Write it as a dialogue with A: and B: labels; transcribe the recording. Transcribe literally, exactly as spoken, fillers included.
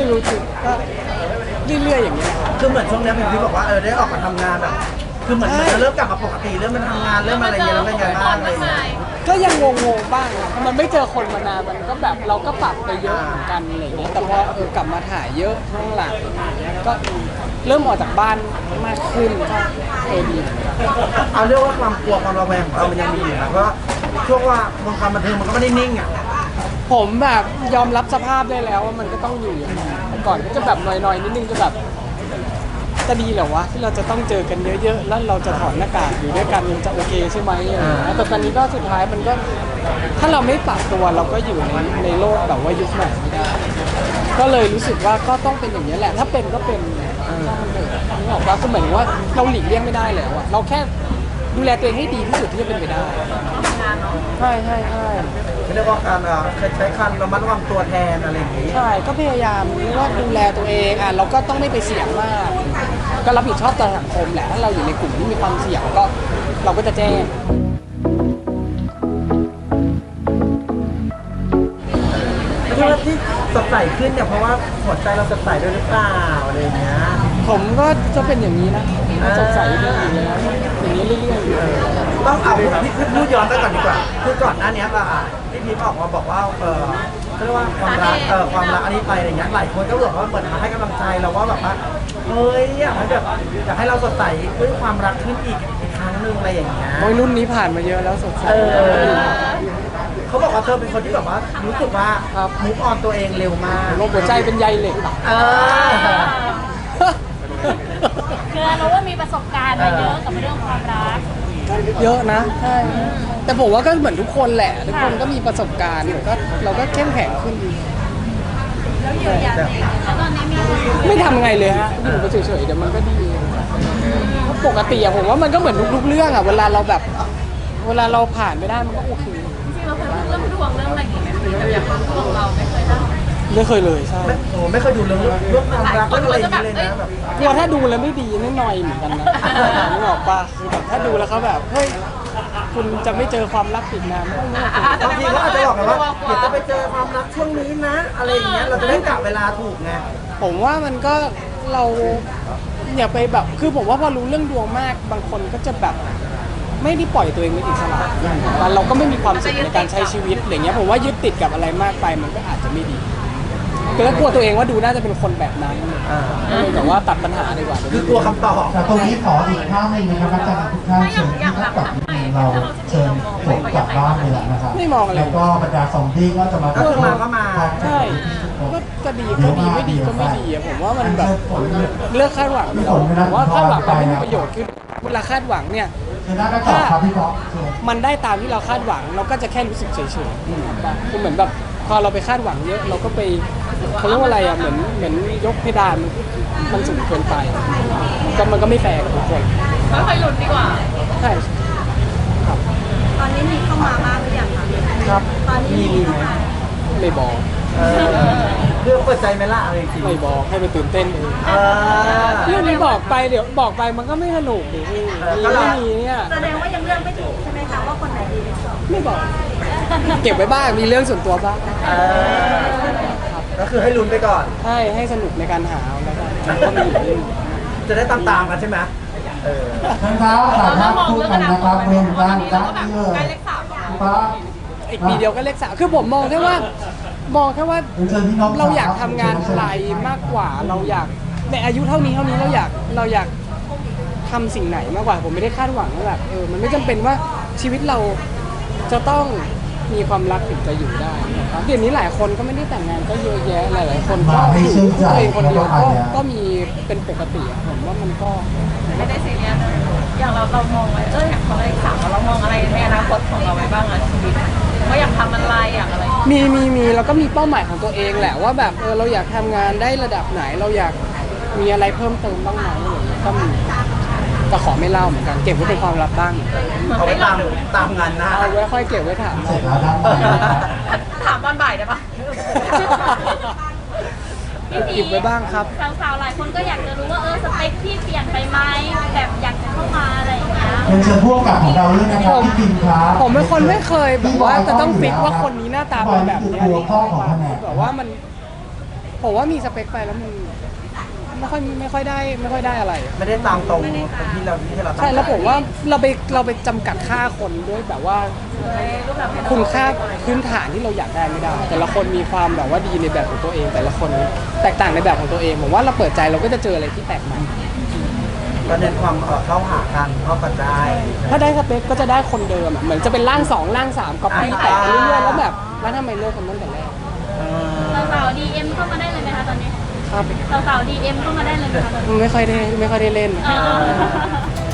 A: รู้สึกก็เรื่อยๆอย่างเงี้ย
B: คือเหมือนช่วงนี้พี่บอกว่าเออได้ออกมาทำงานแบบคือเหมือนมันเริ่มกลับมาปกติเริ่มมันทำงานเริ่มอะไรอย่างเงี้ยแล้วเป็นไงบ้างอะไรอย่างเงี้ย
A: ก็ยังงงๆบ้างอะมันไม่เจอคนมานานมันก็แบบเราก็ปรับไปเยอะเหมือนกันอะไรเงี้ยแต่พอเออกลับมาถ่ายเยอะช่วงหลังก็เริ่มออกจากบ้านมากขึ้นก็เออดีเหมือนกัน
B: เอาเรียกว่าความกลัวความระแวงของเรามันยังมีอยู่นะเพราะช่วงว่าวงการบันเทิงมันก็ไม่ได้นิ่งอ่ะ
A: ผมแบบยอมรับสภาพได้แล้วว่ามันก็ต้องอยู่อย่างนั้นก่อนก็จะแบบหน่อยๆนิดนึงจะแบบจะดีเหรอวะที่เราจะต้องเจอกันเยอะๆแล้วเราจะถอดหน้ากากอยู่ด้วยกันมันจะโอเคใช่ไหมอะไรอย่างเงี้ยแต่ตอนนี้ก็สุดท้ายมันก็ถ้าเราไม่ปรับตัวเราก็อยู่ในในโลกแบบว่ายุคใหม่ไม่ได้ก็เลยรู้สึกว่าก็ต้องเป็นอย่างนี้แหละถ้าเป็นก็เป็นช่างมันเถอะนึกออกปะก็เหมือนว่าเราหลีกเลี่ยงไม่ได้แล้วอะเราแค่ดูแลตัวเองให้ดีที่สุดที่จะเป็นไปได้ใช่ใช่ใช่
B: เรียกว่าการใช้คันระมัดระวังตัวแทนอะไรอย่างงี้
A: ใช่ก็พยายามเรียกว่าดูแลตัวเองอ่ะเราก็ต้องไม่ไปเสี่ยงมากก็รับผิดชอบต่อสังคมแหละถ้าเราอยู่ในกลุ่มที่มีความเสี่ยงก็เราก็จะแจ้ง
B: ที่ว่าที่สดใสขึ้นเนี่ยเพราะว่าหัวใจเราสดใสด้วยหรือเปล่าอะไรอย่างเงี้ย
A: ผมก็จะเป็นอย่างนี้นะสดใสเรื่อยๆแล้วอย่างนี้เรื่อยๆ
B: ต้องเอาพี่พูดย้อนไปก่อนดีกว่าคือก่อนหน้านี้อ่ะพี่พีออกมาบอกว่าเออเรียกว่าความรักเออความรักอันนี้ไปอะไรเงี้ยหลายคนก็บอกว่าเหมือนมาให้กำลังใจเราว่าแบบว่าเฮ้ยอยากให้แบบอยากให้เราสดใสด้วยความรักขึ้นอีกอีกครั้งหนึ่งอะไรอย่างเงี้ย
A: โอ้ยรุ่นนี้ผ่านมาเยอะแล้วสดใส
B: เขาบอกว่าเธอเป็นคนที่แบบว่ารู้สึกว่ามุกออนตัวเองเร็วมาก
A: ลมหัวใจเป็นใยเหล็ก
B: เออ
C: คือเราว่ามีประสบการณ์มาเยอะกับเรื่องความรัก
A: เยอะนะใช่แต่ผมว่าก็เหมือนทุกคนแหละทุกคนก็มีประสบการณ์ก็เราก็เข้มแข็งขึ้น
C: แล้วเยียวยาตัวเองแล้วตอนนี้มี
A: ไม่ทำไงเลยฮะอยู่ไปเฉยๆเดี๋ยวมันก็ดีปกติอะผมว่ามันก็เหมือนทุกๆเรื่องอะเวลาเราแบบเวลาเราผ่านไปได้มันก็โอเค
C: จริงๆเราเคยพูดเรื่องดวงเรื่องอะไรอย่างเงี้ยแต่อย่างดวงเราไม่เคยทำ
A: ไม่เคยเลยใช่
B: โอ้ไม่เคยดูเรื่องเรื่องความรักเรื่องอะไรอย่างเงี้ยเลยนะแบบ
A: กลัวถ้าดูแล้วไม่ดีนิดหน่อยเหมือนกันนะนึกออกปะคือแบบถ้าดูแล้วเขาแบบเฮ้ยคุณจะไม่เจอความรักอีกนาน
B: บางทีเขาอาจจะบอกกันว่าเดี๋ยวจะไปเจอความรักช่วงนี้นะอะไรอย่างเงี้ยเราจะได้กะเวลาถูกไง
A: ผมว่ามันก็เราอย่าไปแบบคือผมว่าพอรู้เรื่องดวงมากบางคนก็จะแบบไม่ได้ปล่อยตัวเองเป็นอิสระเราก็ไม่มีความสุขในการใช้ชีวิตอะไรเงี้ยผมว่ายึดติดกับอะไรมากไปมันก็อาจจะไม่ดีก็แล้วกลัวตัวเองว่าดูน่าจะเป็นคนแบบนั้นแต่ว่าตัดปัญหาดีกว่า
B: คือกลัวคำตอบ
D: แต่ตรงนี้ขออีกท่าหนึ่งนะครับอาจารย์ทุกท่านเชิญที่ทักกลับเราเชิญฝนกลับบ้านเลยนะครับ
A: ไม่มองอะไร
D: แล้วก็บรรดาซอมบี้ก็จะมา
B: ก็มาก็มา
A: ใช่ก็จะดีก็ดีไม่ดีก็ไม่ดีผมว่ามันแบบเลิกคาดหวังเราผมว่าคาดหวังมันไม่มีประโยชน์คือเวลาคาดหวังเนี่ยถ้ามันได้ตามที่เราคาดหวังเราก็จะแค่รู้สึกเฉยๆคือเหมือนแบบพอเราไปคาดหวังเยอะเราก็ไปเขาเรียกว่าอะไรอ่ะเหมือนเหมือนยกเพดานมันสูงเกินไปก็มันก็ไม่แฟร์กับทุกคน
C: ค่อยๆหลุดดีกว่า
A: ใช่ครับ
C: ตอนนี้มีเข้ามาบ้างหรือยังคะ
A: ครับ
C: ตอนนี้มีเข้ามา
A: ไม่บอก
B: เรื่องเปิดใจไหมล่ะอะไรจริง
A: ไม่บอกให้ไปตื่นเต้นเองเรื่องนี้บอกไปเดี๋ยวบอกไปมันก็ไม่สนุกดิพี่ไม่มีเนี่ย
C: แสดงว่ายังเลือกไม่ถูกใช่ไหมคะว่าคนไหนดีที่สุด
A: ไม่บอกเก็บไว้บ้างมีเรื่องส่วนตัวบ้าง
B: ก็คือให้ลุ้นไปก่อน
A: ใช่ให้สนุกในการหาแล้วก็
B: จะได้ตามๆกันใช่ไหมเออ
D: ท่านเท้าสามารถพูดกันนะครับรวมกันได้เลย
A: อีกปีเดียวก็เลขสามคือผมมองแค่ว่ามองแค่ว่าเราอยากทำงานอะไรมากกว่าเราอยากในอายุเท่านี้เท่านี้เราอยากเราอยากทำสิ่งไหนมากกว่าผมไม่ได้คาดหวังว่าแบบเออมันไม่จำเป็นว่าชีวิตเราจะต้องมีความรักถึงจะอยู่ได้เดี๋ยวนี้หลายคนก็ไม่ได้แต่งงานก็เยอะแยะหลายๆคนก็อยู่ตัวเองคนเดียวก็ก็มีเป็นปกติผมว่ามันก็
C: ไม่ได้ซีเรียสอย่างเราเรามองไว้เอออยากทำอะไรสามเรามองอะไรในอนาคตของเราไว้บ้างอะชีวิตว่าอยากทำอะไรอยากอะไร
A: มีมีมีแล้วก็มีเป้าหมายของตัวเองแหละว่าแบบเออเราอยากทำงานได้ระดับไหนเราอยากมีอะไรเพิ่มเติมบ้างไหมก็มีแต่ขอไม่เล่าเหมือนกันเก็บไว้เป็นความลับบ้าง
B: เอาไว้ตามตามงานนะ
A: เอาไว้ค่อยเก็บไว้ถาม
C: ถามตอนบ่ายได้ปะ
A: เก็บไว้บ้างครับ
C: สาวๆหลายคนก็อยากจะรู้ว่าเออสเปคที่เปลี่ยนไปไหมแบบอยากจะเข้ามาอะไรอย่างเงี้ย
D: เป็นเชิญพวกกับของเราด้วยนะครับพี่ปินครับ
A: ผมเป็นคนไม่เคยแบบว่าจะต้องฟิกว่าคนนี้หน้าตาเป็นแบบนี้แบบว่ามันผมว่ามีสเปคไปแล้วมันไม่ค่อยไม่ค่อยได้ไม่ค่อยได้อะไร
B: ไม่ได้ตามตรงที่เราที่เราตั้ง
A: ใช่แล้วผมว่าเราไปเราไปจำกัดค่าคนด้วยแบบว่า
C: รูปแบบให้เรา
A: คุณค่าพื้นฐานที่เราอยากได้ไม่ได้ แต่ละคนมีความแบบว่าดีในแบบของตัวเอง แต่ละคนแตกต่างในแบบของตัวเองผมว่าเราเปิดใจเราก็จะเจออะไรที่แปลกใหม่
B: ก็เน้นความเอ่อเข้าหากันเข้ากันได้
A: ถ้าได้สเปคก็จะได้คนเดิมอะเหมือนจะเป็นร่างสองร่างสามก๊อปปี้แตกไปเรื่อยๆแล้วแบบแล้วทำไมเลิกกันตั้งแต่แรก
B: เออ
C: สาวๆดีเอ็มเข้ามาได้เลยไหมคะตอนนี้
A: ครับ
C: สาวๆดีเอ็มเข้ามาได้เลยไหมคะตอนนี้
A: ไม่ค่อยได้ไม่ค่อยได้เล่น
C: เออ